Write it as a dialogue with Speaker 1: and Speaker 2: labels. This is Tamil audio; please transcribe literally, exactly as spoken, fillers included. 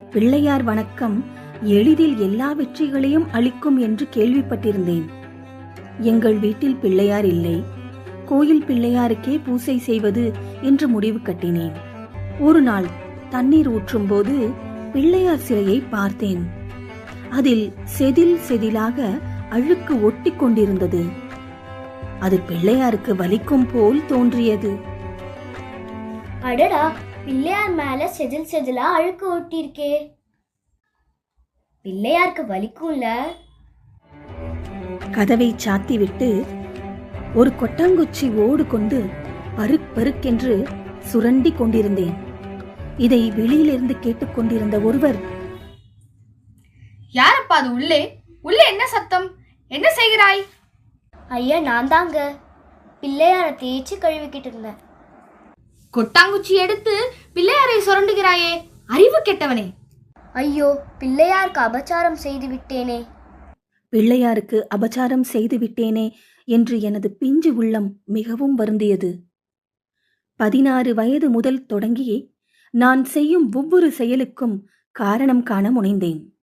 Speaker 1: பிள்ளையார் வணக்கம் எளிதில் எல்லா வெற்றிகளையும் அளிக்கும் என்று கேள்விப்பட்டிருந்தேன். எங்கள் வீட்டில் பிள்ளையார் இல்லை. கோயில் பிள்ளையாருக்கே பூசை செய்வது என்று முடிவு கட்டினேன். ஒரு நாள் தண்ணீர் ஊற்றும் போது பிள்ளையார் சிலையை பார்த்தேன். அதில் செதில் செதிலாக அழுக்கு ஒட்டி கொண்டிருந்தது. அது பிள்ளையாருக்கு வலிக்கும் போல் தோன்றியது.
Speaker 2: அடடா, பிள்ளையார் மேல செதில் செதிலா அழுக்கு ஒட்டியிருக்கே, பிள்ளையாருக்கு வலிக்கும்ல.
Speaker 1: கதவை சாத்திவிட்டு ஒரு கொட்டாங்குச்சி ஓடு கொண்டு பருக் பருக்கென்று சுரண்டி கொண்டிருந்தேன். இதை வெளியிலிருந்து கேட்டுக்கொண்டிருந்த ஒருவர்,
Speaker 3: யாரப்பா அது உள்ளே? உள்ளே என்ன சத்தம்? என்ன செய்கிறாய்?
Speaker 2: ஐயா, நான் தாங்க பிள்ளையாரை தேய்ச்சி கழுவிக்கிட்டு இருந்தேன்.
Speaker 3: கொட்டாங்குச்சி எடுத்து பிள்ளையாரை சுரண்டுகிறாயே, அறிவு கெட்டவனே!
Speaker 2: ஐயோ, பிள்ளையாருக்கு அபச்சாரம் செய்து விட்டேனே.
Speaker 1: பிள்ளையாருக்கு அபச்சாரம் செய்து விட்டேனே என்று எனது பிஞ்சு உள்ளம் மிகவும் வருந்தியது. பதினாறு வயது முதல் தொடங்கி நான் செய்யும் ஒவ்வொரு செயலுக்கும் காரணம் காண முனைந்தேன்.